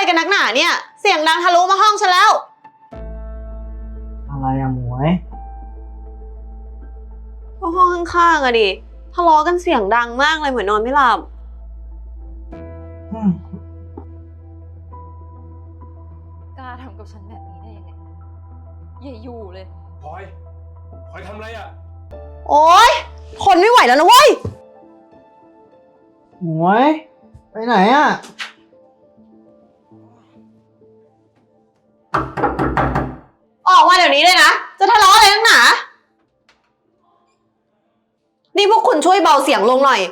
กันนักหนาเนี่ยเสียงดังทะลุมาห้องฉันแล้วอะไรอะหมวยก็ห้องข้างๆอะดิทะเลาะกันเสียงดังมากเลยเหมือนนอนไม่หลับกล้าทำกับฉันแบบนี้ได้ยังไงอย่าอยู่เลยพลอยทำอะไรอ่ะโอ๊ยทนไม่ไหวแล้วนะเว้ยหมวยไปไหนอะออกมาเดี๋ยวนี้เลยนะจะทะเลาะอะไรนักหนานี่พวกคุณช่วยเบาเสียงลงหน่อย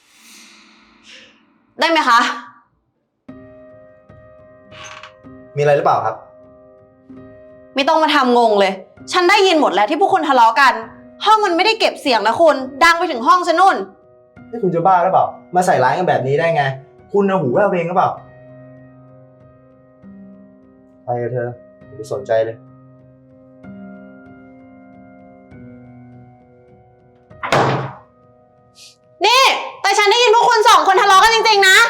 ได้ไหมคะมีอะไรหรือเปล่าครับไม่ต้องมาทำงงเลยฉันได้ยินหมดแล้วที่พวกคุณทะเลาะกันห้องมันไม่ได้เก็บเสียงนะคุณดังไปถึงห้องฉันนู่นนี่คุณจะบ้าหรือเปล่ามาใส่ร้ายกันแบบนี้ได้ไงคุณเอาหูแว่วเองหรือเปล่าไปกับเธออย่าไปสนใจเลยนี่แต่ฉันได้ยินพวกคุณสองคนทะเลาะกันจริงๆนะ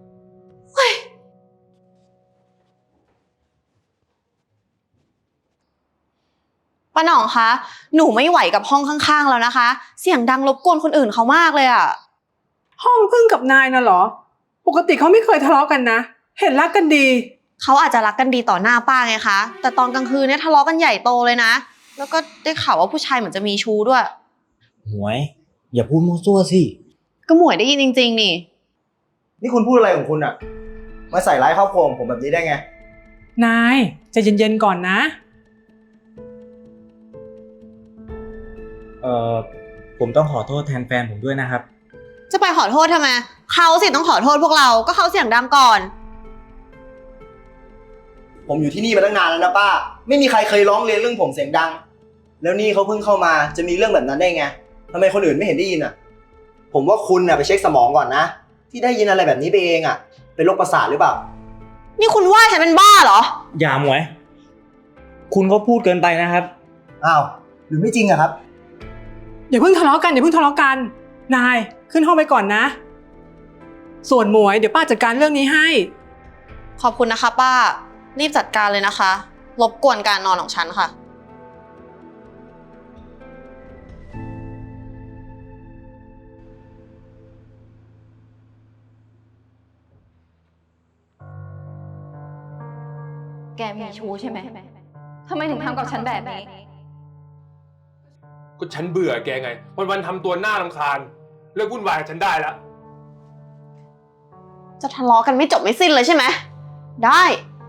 ป้าหน่องคะหนูไม่ไหวกับห้องข้างๆแล้วนะคะเสียงดังรบกวนคนอื่นเขามากเลยอะห้องพึ่งกับนายน่ะเหรอปกติเขาไม่เคยทะเลาะกันนะเห็นรักกันดีเขาอาจจะรักกันดีต่อหน้าป้าไงคะแต่ตอนกลางคืนเนี่ยทะเลาะกันใหญ่โตเลยนะแล้วก็ได้ข่าวว่าผู้ชายเหมือนจะมีชู้ด้วยหมวยอย่าพูดมั่วซั่วสิก็หมวยได้ยินจริงๆนี่คุณพูดอะไรของคุณอะมาใส่ร้ายครอบครัวผมแบบนี้ได้ไงนายใจเย็นๆก่อนนะผมต้องขอโทษแทนแฟนผมด้วยนะครับจะไปขอโทษทำไมเขาสิต้องขอโทษพวกเราก็เขาเสียงดังก่อนผมอยู่ที่นี่มาตั้งนานแล้วนะป้าไม่มีใครเคยร้องเรียนเรื่องผมเสียงดังแล้วนี่เขาเพิ่งเข้ามาจะมีเรื่องแบบนั้นได้ไงทำไมคนอื่นไม่เห็นได้ยินอะผมว่าคุณอะไปเช็คสมองก่อนนะที่ได้ยินอะไรแบบนี้ไปเองอะเป็นโรคประสาทหรือเปล่านี่คุณว่าฉันเป็นบ้าเหรออย่าหมวยคุณก็พูดเกินไปนะครับอ้าวหรือไม่จริงอะครับอย่าเพิ่งทะเลาะกันนายขึ้นห้องไปก่อนนะส่วนหมวยเดี๋ยวป้าจัดการเรื่องนี้ให้ขอบคุณนะคะป้ารีบจัดการเลยนะคะรบกวนการนอนของฉันค่ะแกมีชู้ใช่ไหมทำไมถึงทำกับฉันแบบนี้ก็ฉันเบื่อแกไงวันๆทำตัวน่ารำคาญเลิกวุ่นวายกับฉันได้แล้วจะทะเลาะกันไม่จบไม่สิ้นเลยใช่ไหมได้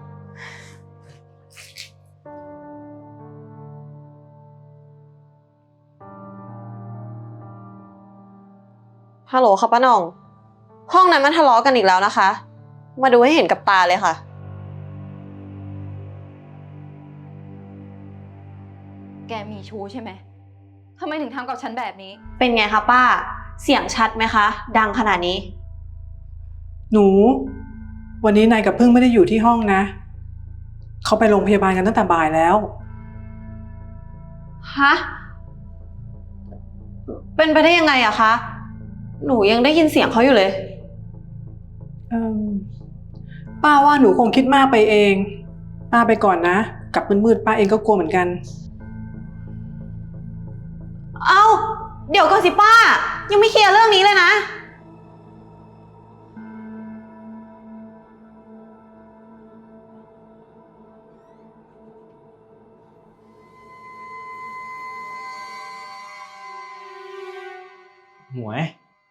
ฮัลโหลค่ะป้าหน่องห้องนั้นมันทะเลาะกันอีกแล้วนะคะมาดูให้เห็นกับตาเลยค่ะแกมีชู้ใช่ไหมทำไมถึงทำกับฉันแบบนี้เป็นไงคะป้าเสียงชัดไหมคะดังขนาดนี้หนูวันนี้นายกับพึ่งไม่ได้อยู่ที่ห้องนะเขาไปโรงพยาบาลกันตั้งแต่บ่ายแล้วฮะเป็นไปได้ยังไงอะคะหนูยังได้ยินเสียงเขาอยู่เลยป้าว่าหนูคงคิดมากไปเองป้าไปก่อนนะกลับมืดๆป้าเองก็กลัวเหมือนกันเอ้าเดี๋ยวก่อนสิป้ายังไม่เคลียร์เรื่องนี้เลยนะหมวย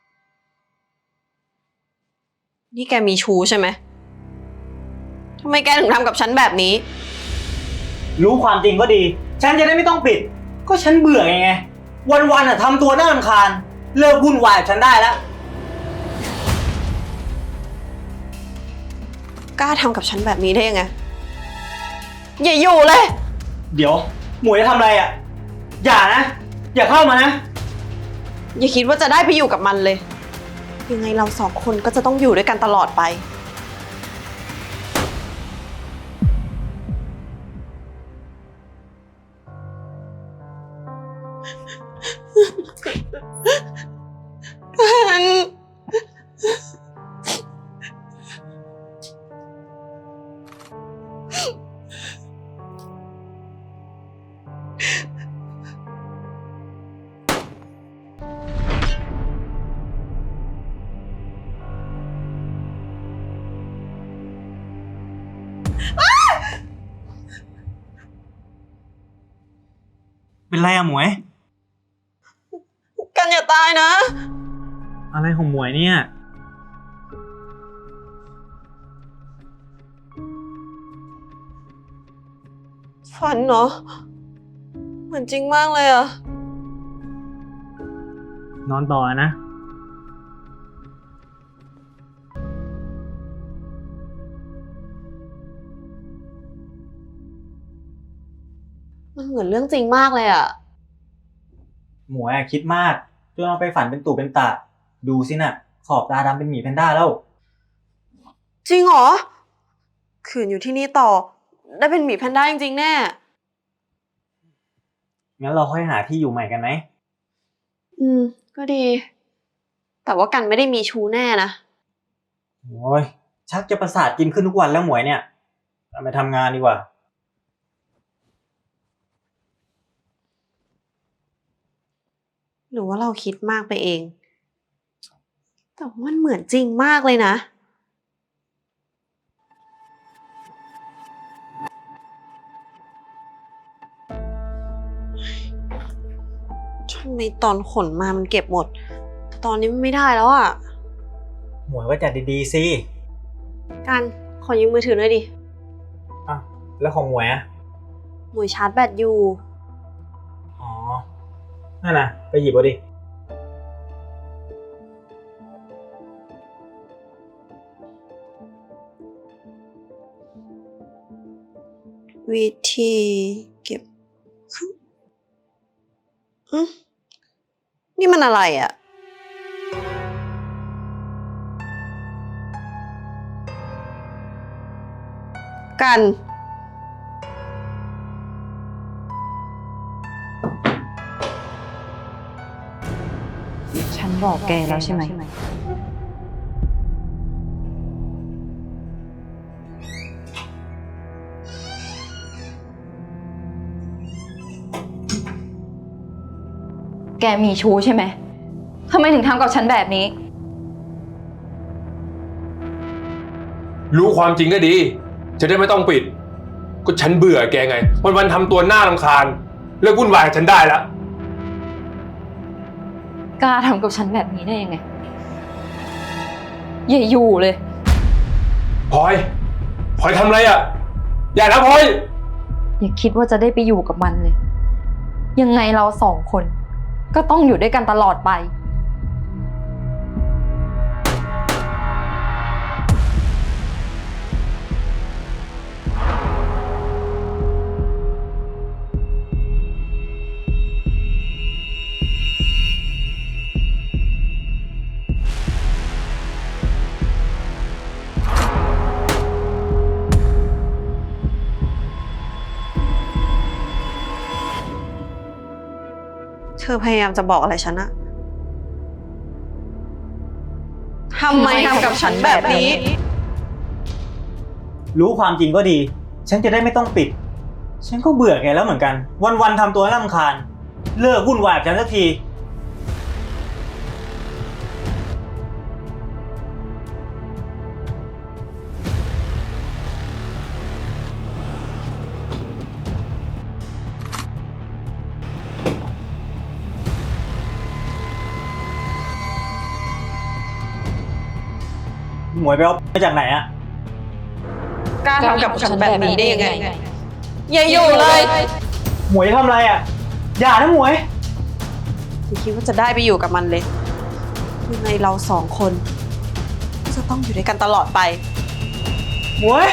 นี่แกมีชู้ใช่ไหมทำไมแกถึงทำกับฉันแบบนี้รู้ความจริงก็ดีฉันจะได้ไม่ต้องปิดก็ฉันเบื่อไงวันๆอะทำตัวน่ารำคาญเลิกวุ่นวายกับฉันได้แล้วกล้าทำกับฉันแบบนี้ได้ยังไงอย่าอยู่เลยเดี๋ยวหมวยจะทำอะไรอะอย่านะอย่าเข้ามานะอย่าคิดว่าจะได้ไปอยู่กับมันเลยยังไงเราสองคนก็จะต้องอยู่ด้วยกันตลอดไปเป็นไรอะหมวยกันอย่าตายนะอะไรของหมวยเนี่ยฝันเหรอ เหมือนจริงมากเลยอะนอนต่อนะมันเหมือนเรื่องจริงมากเลยอะหมวยคิดมากจนเอาไปฝันเป็นตู่เป็นตะดูสิน่ะ ขอบตาดำเป็นหมีแพนด้าแล้วจริงเหรอ ขืนอยู่ที่นี่ต่อ ได้เป็นหมีแพนด้าจริงๆแน่งั้นเราค่อยหาที่อยู่ใหม่กันไหมก็ดี แต่ว่ากันไม่ได้มีชู้แน่นะโอ้ยชักจะประสาทกินขึ้นทุกวันแล้วหมวยเนี่ยเราไปทำงานดีกว่าหรือว่าเราคิดมากไปเอง แต่ว่ามันเหมือนจริงมากเลยนะทำไมตอนขนมามันเก็บหมด ตอนนี้มันไม่ได้แล้วอ่ะหมวยว่าจัดดีๆสิกันขอยืมมือถือหน่อยดิอ่ะแล้วของหมวยอะหมวยชาร์จแบตอยู่อ๋อ นั่นน่ะ ไปหยิบเอาดิวิธีเก็บนี่มันอะไรอ่ะ กันฉันบอกแกแล้วใช่ไหม แกมีชู้ใช่ไหม ทำไมถึงทำกับฉันแบบนี้รู้ความจริงก็ดี จะได้ไม่ต้องปิด ก็ฉันเบื่อแกไง วันๆทำตัวน่ารำคาญ เลิกวุ่นวายกับฉันได้แล้วกล้าทำกับฉันแบบนี้ได้ยังไง อย่าอยู่เลยพลอยทำอะไรอ่ะ อย่านะพลอยอย่าคิดว่าจะได้ไปอยู่กับมันเลย ยังไงเราสองคน ก็ต้องอยู่ด้วยกันตลอดไปเธอพยายามจะบอกอะไรฉันอะทำไมทำกับฉันแบบนี้รู้ความจริงก็ดี ฉันจะได้ไม่ต้องปิด ฉันก็เบื่อแกแล้วเหมือนกัน วันๆทำตัวน่ารำคาญ เลิกวุ่นวายกับฉันสักที หมวยไปเอามาจากไหนอะกล้าทำกับฉันแบบนี้ได้ยังไง อย่าอยู่เลยหมวยทำอะไรอะอย่านะหมวยอย่าคิดว่าจะได้ไปอยู่กับมันเลยยังไงเราสองคนก็จะต้องอยู่ด้วยกันตลอดไปหมวย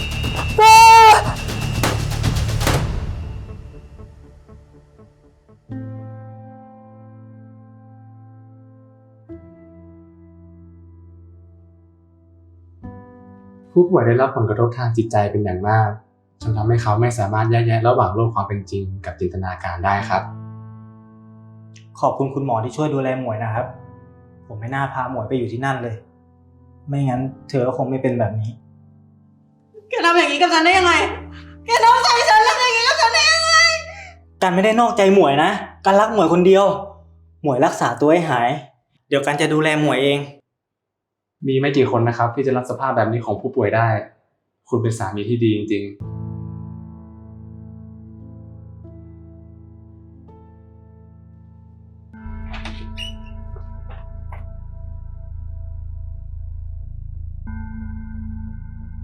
ผู้ป่วยได้รับผลกระทบทางจิตใจเป็นอย่างมากจนทำให้เขาไม่สามารถแยกแยะระหว่างโลกความเป็นจริงกับจินตนาการได้ครับขอบคุณคุณหมอที่ช่วยดูแลหมวยนะครับ ผมไม่น่าพาหมวยไปอยู่ที่นั่นเลย ไม่งั้นเธอก็คงไม่เป็นแบบนี้แกทำอย่างนี้กับฉันได้ยังไง แกนอกใจฉันแล้วอย่างนี้กับฉันได้ยังไงกันไม่ได้นอกใจหมวยนะ กันรักหมวยคนเดียว หมวยรักษาตัวให้หาย เดี๋ยวกันจะดูแลหมวยเองมีไม่กี่คนนะครับที่จะรับสภาพแบบนี้ของผู้ป่วยได้ คุณเป็นสามีที่ดีจริงๆ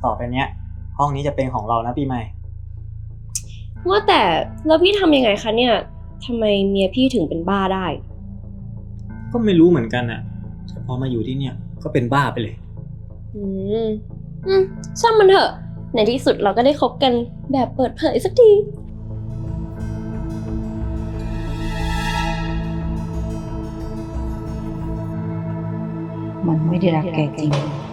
ต่อไปเนี้ย ห้องนี้จะเป็นของเรานะปีใหม่ว่าแต่แล้วพี่ทำยังไงคะเนี่ยทำไมเมียพี่ถึงเป็นบ้าได้ก็ไม่รู้เหมือนกันอ่ะแต่พอมาอยู่ที่เนี่ยก็เป็นบ้าไปเลยอืมช่างมันเถอะ ในที่สุดเราก็ได้คบกันแบบเปิดเผยสักทีมันไม่ได้รักแกจริง